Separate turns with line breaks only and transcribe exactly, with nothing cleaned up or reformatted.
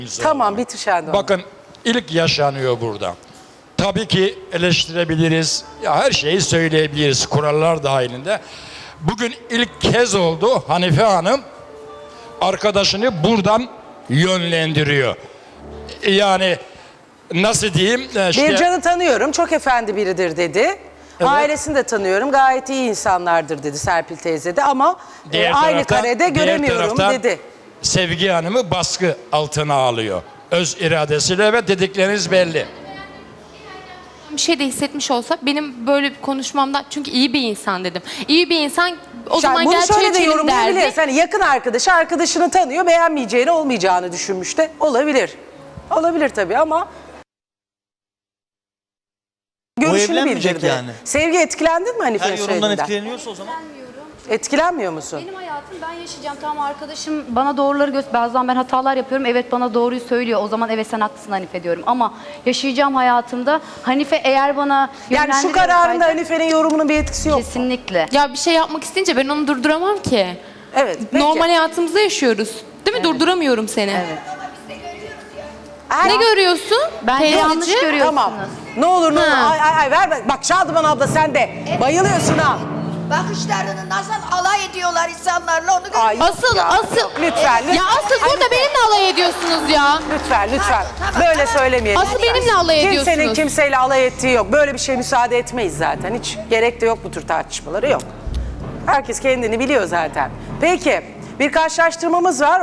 Tamam, bitir Şendoğan.
Bakın ilk yaşanıyor burada. Tabii ki eleştirebiliriz. Ya her şeyi söyleyebiliriz kurallar dahilinde. Bugün ilk kez oldu Hanife Hanım arkadaşını buradan yönlendiriyor. Yani nasıl diyeyim? İşte,
Bircan'ı tanıyorum, çok efendi biridir dedi.
Evet.
Ailesini de tanıyorum, gayet iyi insanlardır dedi Serpil teyze de ama e,
diğer
aynı
taraftan-
karede
diğer
göremiyorum
taraftan
dedi.
Sevgi Hanım'ı baskı altına alıyor. Öz iradesiyle ve dedikleriniz belli.
Bir şey de hissetmiş olsa benim böyle bir konuşmamdan, çünkü iyi bir insan dedim. İyi bir insan o zaman
Bunu
gerçeği
şöyle de
içelim
yorumlayabiliriz.
derdi.
Hani yakın arkadaşı arkadaşını tanıyor, beğenmeyeceğini, olmayacağını düşünmüş de olabilir. Olabilir tabii ama görüşünü
evlenmeyecek
bildirdi.
yani.
Sevgi, etkilendin mi Hanife'nin
Her yorumdan
söylediğinden?
etkileniyorsa o zaman.
Etkilenmiyor musun?
Benim hayatım ben yaşayacağım. Tamam, arkadaşım bana doğruları göster. Bazen ben hatalar yapıyorum. Evet, bana doğruyu söylüyor. O zaman evet, sen haklısın Hanife diyorum. Ama yaşayacağım hayatımda Hanife eğer bana
Yani şu
yönlendiriyor
kararında
olsaydı-
Hanife'nin yorumunun bir etkisi yok.
Kesinlikle.
Ya bir şey yapmak isteyince ben onu durduramam ki.
Evet. Peki.
Normal hayatımızda yaşıyoruz. Değil mi? Durduramıyorum seni.
Evet.
Her-
Ne görüyorsun?
Bence yanlış
Teyzeciğim?
görüyorsunuz.
Tamam. Ne olur ne olur.
Ha.
Ay ay ay ver. ver. Bak Şadıman abla sen de bayılıyorsun ha.
Bakışlarını nasıl alay ediyorlar insanlarla onu
Ay,
görüyorsun.
Asıl,
Ya,
asıl.
yok, lütfen, lütfen.
Ya asıl burada
Hanife.
benimle alay ediyorsunuz ya.
Lütfen lütfen.
Tamam, tamam,
Böyle
tamam.
söylemeyelim.
Asıl benimle alay
Kimsenin
ediyorsunuz.
kimseyle alay ettiği yok. Böyle bir şey müsaade etmeyiz zaten. Hiç gerek de yok bu tür tartışmaları yok. Herkes kendini biliyor zaten. Peki bir karşılaştırmamız var.